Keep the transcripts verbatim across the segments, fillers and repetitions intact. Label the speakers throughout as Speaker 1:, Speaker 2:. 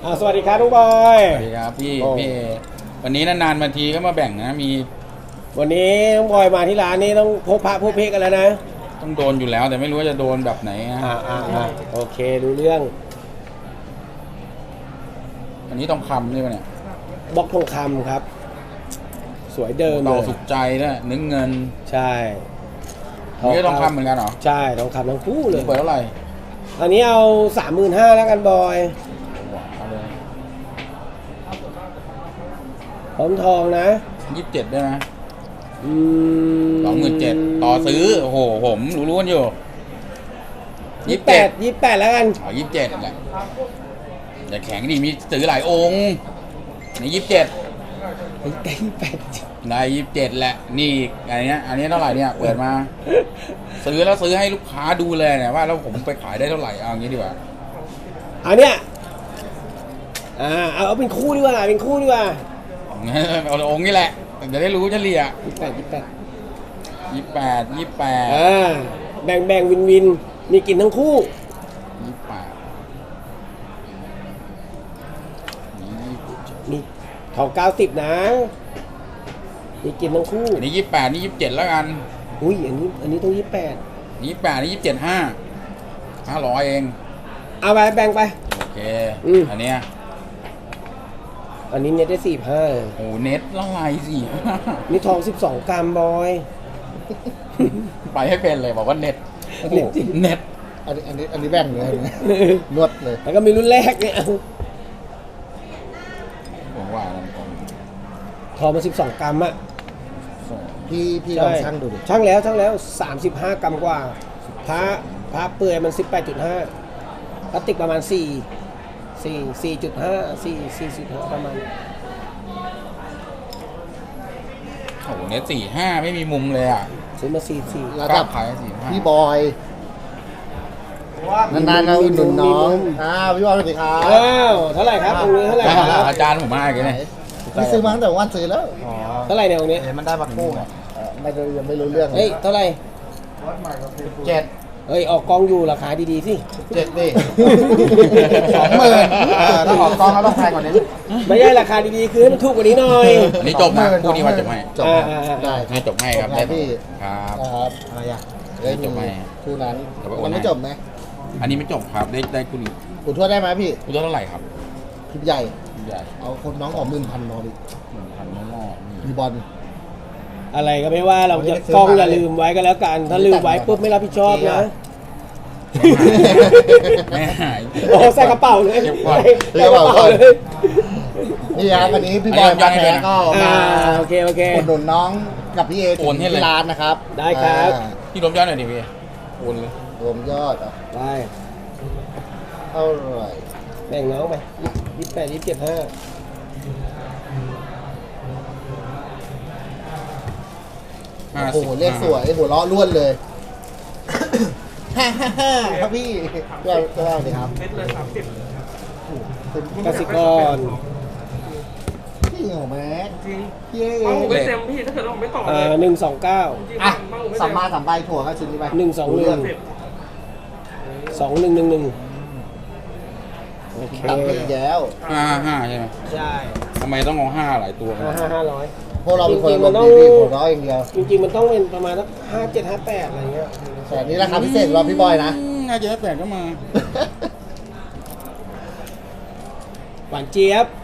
Speaker 1: อ่าสวัสดีครับทุกบอย
Speaker 2: สวัสดีครับพี่พี่วันนี้นานๆมาทีก็มาแบ่งนะมี
Speaker 1: วันนี้น้องบอยมาที่ร้านนี้ต้องพบพระพบเพกกันแล้วนะ
Speaker 2: ต้องโดนอยู่แล้วแต่ไม่รู้ว่าจะโดนแบบไหนนะ
Speaker 1: อ่าอ่าอ่าโอเคดูเรื่อง
Speaker 2: อันนี้ต้องคำใช่ไหมเนี่ย
Speaker 1: บล็อกทองคำครับ สวยเดิมเล
Speaker 2: ต่อย สุขใจด้วยนึกเงิน
Speaker 1: ใช่
Speaker 2: นี่ก็ต้องคำเหมือนกันเหรอ
Speaker 1: ใช่ทองคำทั้งคู่เลย
Speaker 2: เปิดเท่าไหร่
Speaker 1: อันนี้เอาสามหมื่นห้าแล้วกันบอย
Speaker 2: เอาเลย
Speaker 1: พร้อมทองนะ
Speaker 2: ยี่สิบเจ็ดได้ไหม
Speaker 1: อืม
Speaker 2: สองหมื่นเจ็ดต่อซื้อโอ้โหผมรู้ๆกันอยู่
Speaker 1: ยี่สิบแปดยี่สิบแปดแล้วกัน
Speaker 2: อ๋อยี่สิบเจ็ดแหละแต่แข็งดีมีซื้อหลายองค์ในยี่สิบเจ็ด
Speaker 1: ยี่สิบแปด
Speaker 2: ในยี่สิบเจ็ดแหละนี่อันนี้อันนี้เท่าไหร่เนี่ยเปิดมา ซื้อแล้วซื้อให้ลูกค้าดูเลยเนี่ยว่าแล้วผมไปขายได้เท่าไหร่เอาอย่างนี้ดีกว่า
Speaker 1: อันเนี้ยอ่าเอาเอาเป็นคู่ดีกว่าเป็นคู่ดีกว่า
Speaker 2: เอาองค์นี่แหละจะได้รู้เฉลี่ย
Speaker 1: ยี่สิบแปดยี่สิบแปด
Speaker 2: ยี่แปดยี่แปด
Speaker 1: อ่าแบ่งแบ่งวินวินมีกินทั้งคู่
Speaker 2: ยี่แปด
Speaker 1: มีทองเก้าสิบนะมีกินทั้งคู่
Speaker 2: อันนี้ยี่แปดนี่ยี่เจ็ดแล้วกัน
Speaker 1: อุ้ยอันนี้อันนี้ต้องยี่สิบแปด
Speaker 2: ยี่แปดนี่ยี่เจ็ดห้าห้าร้อยเอง
Speaker 1: เอาไปแบ่งไป
Speaker 2: โอเค
Speaker 1: อืม
Speaker 2: อันเนี้ย
Speaker 1: อันนี้เนี่ยได้สี่ห้า
Speaker 2: โอ้เน็ตละลายสี่
Speaker 1: นี่ทองสิบสองกรัมบอย
Speaker 2: ไปให้เป็นเลยบอกว่าเน็ตโอ้โห
Speaker 1: เน็ตจริง
Speaker 2: เน็ต
Speaker 3: อันนี้อันนี้อันนี้แบ่งเลยนะนวดเลย
Speaker 1: แล้วก็มีรุ่นแรกเนี่ย
Speaker 2: ผมว่ามันคง
Speaker 1: ทองมาสิบสองกรัมอะ
Speaker 3: พี่พี่ลองชั่งดูดิ
Speaker 1: ช่างแล้วช่างแล้วสามสิบห้ากรัมกว่าพระพระเปื่อยมันสิบแปดจุดห้าพลาสติกประมาณสี่สี่สี่จุดห้าสี่สี่จุดห้าประมาณ
Speaker 2: โอ้โหเน็ตสี่ห้าไม่มีมุมเลยอ่ะ
Speaker 1: ซื้อมาสี่สี่
Speaker 3: ระดับ
Speaker 2: ขายสี่ห้า
Speaker 3: พี่บอยนานๆเราอุดหนุนน้องอ้าวพี่บอยสวัสดีครับ
Speaker 1: อ้าวเท่าไหร่ครับตรงนี้เท่าไหร่ครับ
Speaker 2: อาจารย์ผมมาอีกแล้วเนี่ย
Speaker 3: พี่ซื้อมาตั้งแต่วันซื้อแล้ว
Speaker 1: เท่าไหร่เนี่ยตรงนี้
Speaker 3: มันได้มาคู่ไงเออไม่รู้ยังไม่รู้เรื่อง
Speaker 1: เฮ้ยเท่าไหร่
Speaker 3: เจ็ด
Speaker 1: เฮ้ยออกกองอยู่ราคาดีๆสิ
Speaker 3: เจ็ดดิสองหมื่นถ้าออกกองแล้วต้องแพงกว่านี้
Speaker 1: ไม่ใช่ราคาดีๆคือให้มันถูกกว่านี้หน่อย
Speaker 2: อันนี้จบนะคู่นี้ว่าจบให้
Speaker 3: จบ
Speaker 1: อ่า
Speaker 3: นะ
Speaker 1: อ่า
Speaker 3: ได้
Speaker 2: ให้จบให้ครับ
Speaker 3: ได้พี่
Speaker 2: ครับ
Speaker 3: ครับอะไรอ่ะได้
Speaker 2: จบไหม
Speaker 3: คู่นั้น
Speaker 2: แต่ว่าโอน
Speaker 3: มันไม่
Speaker 2: ให้
Speaker 3: จบไหม
Speaker 2: อันนี้ไม่จบครับได้ได้คู่นี้
Speaker 3: กูทวดได้ไหมพี่
Speaker 2: คู่เท่าไหร่ครับ
Speaker 3: พี่ใหญ่
Speaker 2: ใหญ่
Speaker 3: เอาคนน้องออกหมื่นพันนอดิ
Speaker 2: หนึ่งพันน้องๆนี่
Speaker 3: พี่บอล
Speaker 1: อะไรก็ไม่ว่าเราจะ
Speaker 3: ไม่ได้ซื้อก
Speaker 1: ล้อง
Speaker 3: มา
Speaker 1: อย่าลืมไว้ก็แล้วกัน ถ้าลืมไว้ปุ๊บไม่รับผิดชอบนะ
Speaker 2: ไม่หาย
Speaker 1: โอ้ใส่กระเป๋าเลย
Speaker 2: เก็บก่อน
Speaker 1: ใส่กระเป๋าเลย
Speaker 3: นี่ครับวันนี้พี่บอยมาแท้ก็
Speaker 1: อ่า
Speaker 3: มา
Speaker 1: โอเคโอเค
Speaker 3: อุดหนุนน้องกับพี่เอ
Speaker 2: โอนให้เลย
Speaker 3: ที่ร้านนะครับ
Speaker 1: ได้ครับ
Speaker 3: อ่า
Speaker 2: พี่รวมยอดหน่อยดิพี่โอนเลย
Speaker 3: รวมยอดอ่ะ
Speaker 1: ไป
Speaker 3: เท่าไหร่
Speaker 1: แบ่งน้องไปยี่สิบแปดยี่สิบเจ็ดห้า
Speaker 2: ห้า
Speaker 3: โอ้
Speaker 2: สิบ
Speaker 3: โหเลขสวยหัวเราะล้วนเลยฮ่าฮ่าฮ่าครับพี่ก็ก็ได้เลยครับ
Speaker 1: กสิกร
Speaker 3: พี่เหรอแม็ก
Speaker 4: จริง
Speaker 3: พี่เอ
Speaker 4: เอาผมไม่เต็มพี่ถ้าเกิดเราไม่ต่อเล
Speaker 1: อ่าย หนึ่งสองเก้า
Speaker 4: จริงๆ
Speaker 3: อ่ะ
Speaker 4: มั่งผมไม่
Speaker 3: สั
Speaker 4: เต็
Speaker 3: ม
Speaker 4: ม
Speaker 3: มาสัมใบถั่วก็ชิ้นนี้ไป
Speaker 1: หนึ่งสองหนึ่ง
Speaker 4: สิบ
Speaker 1: สองหนึ่งหนึ่งหนึ่งโอเค
Speaker 3: ตัดไปอีกแล้ว
Speaker 2: ห้าห้าใช่ไหม
Speaker 1: ใช่
Speaker 2: ทำไมต้องเอาห้าหลายตัวกัน
Speaker 1: ห้าห้าห้าร้อย
Speaker 3: พวกเราเป็นคน
Speaker 1: จริงๆ
Speaker 3: ล
Speaker 1: มัน
Speaker 3: ง
Speaker 1: ต้อง
Speaker 3: ดีๆหัวเราะอย่างเดียว
Speaker 1: จริงๆมันต้องเป็นประมาณสักห้าเจ็ดห้าแปดอะไรเงี้ย
Speaker 3: แต่อันนี้ราคาพิเศษสำหรับพี่บอยนะ
Speaker 2: อืมน่าจะแปดก็มา
Speaker 1: หวานเจี๊ยบ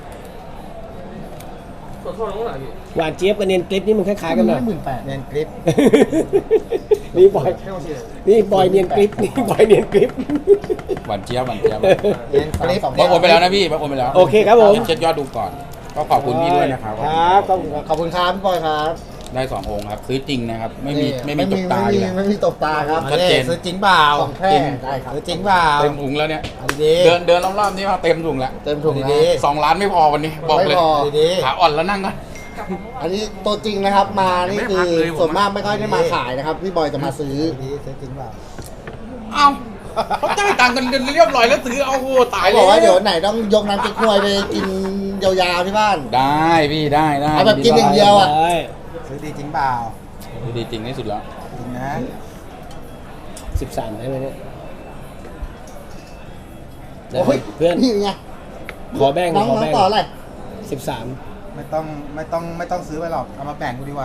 Speaker 4: ขอโทษน้องหน่อยพี่
Speaker 1: หวานเจี๊ยบกับเนียนกลิปนี่มันคล้ายๆกันนะ
Speaker 3: หมื่นแปดเนียนคลิป
Speaker 1: นี่บอยนี่บอยเนียนกลิปนี่บอยเนียนกลิป
Speaker 2: หวานเจี๊ยบหวานเจี๊ยบ
Speaker 3: เนียนคลิป
Speaker 2: บักโอนไปแล้วนะพี่บักโอนไปแล้ว
Speaker 1: โอเคครับผม
Speaker 2: เช็คยอดดูก่อน ก็ขอบคุณพี่ด้วยนะครับ
Speaker 1: ครับขอบคุณครับ
Speaker 3: ขอบคุณครับพี่บอยครับ
Speaker 2: ได้สององค์ครับ ซื้อจริงนะครับ ไม่มี
Speaker 3: นี่
Speaker 2: ไม่มีตกตา
Speaker 3: ไม่
Speaker 2: อยู่
Speaker 3: มี
Speaker 2: แล้ว
Speaker 3: ไม่มีตกตาครับ
Speaker 2: ชัดเจน
Speaker 3: ซื้อจริงเปล่าของแท้ได้ครับซื้อจริงเปล่า
Speaker 2: เต็มถุงแล้วเนี่ย
Speaker 3: ดี
Speaker 2: เดินเดินรอบๆนี่มาเต็มถุงแล้ว
Speaker 3: เต็มถุง
Speaker 2: ดี
Speaker 3: นะ
Speaker 2: สองล้านไม่พอวันนี้ บอกเลย
Speaker 3: ไม่พอ
Speaker 2: ขาอ่อนแล้วนั่งก่อน
Speaker 3: อันนี้ตัวจริงนะครับมานี่
Speaker 2: ไม่
Speaker 3: คื
Speaker 2: พั
Speaker 3: อก
Speaker 2: เลยผม
Speaker 3: ส่วนมากไม่ค่อยได้มาขายนะครับพี่บอยจะมาซื้อซื้อจริงเปล่า
Speaker 2: เอ้าเขาจ่ายตังค์กันเรียบร้อยแล้วซื้อเอาโหตาย
Speaker 3: เขา
Speaker 2: เล
Speaker 3: บอกว่าเดี๋ยวย ไหนต้องยกน้ำจิ้มควยไปกินยาวๆที่บ้าน
Speaker 2: ได้พี่ได้ได้
Speaker 3: เอาแบบกินอย่างเดียวอะ
Speaker 1: ได้
Speaker 3: ซื้อดีจริงเปล่า
Speaker 2: ดูดีจริงที่สุดแล้ว
Speaker 3: จริงนะ
Speaker 1: สิบสามได้ไหมเนี่ย
Speaker 3: โอ้ย
Speaker 1: เพื่อน
Speaker 3: นี่ไง
Speaker 1: ขอแบ่ง
Speaker 3: น้อง
Speaker 1: ขอ
Speaker 3: น้อง
Speaker 1: แบ่ง
Speaker 3: ต่ออะไร
Speaker 1: สิบสาม
Speaker 5: ไม่ต้องไม่ต้องไม่ต้องซื้อไปหรอกเอามาแบ่งกูดีกว่า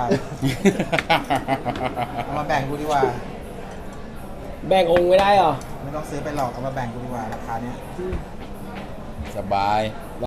Speaker 5: เอามาแบ่งกูดีกว่า
Speaker 1: แบ่งองค์ไม่ได้เหรอ
Speaker 5: ไม่ต้องซื้อไปหรอกเอามาแบ่งกูดีกว่าราคาเนี้ย
Speaker 2: สบาย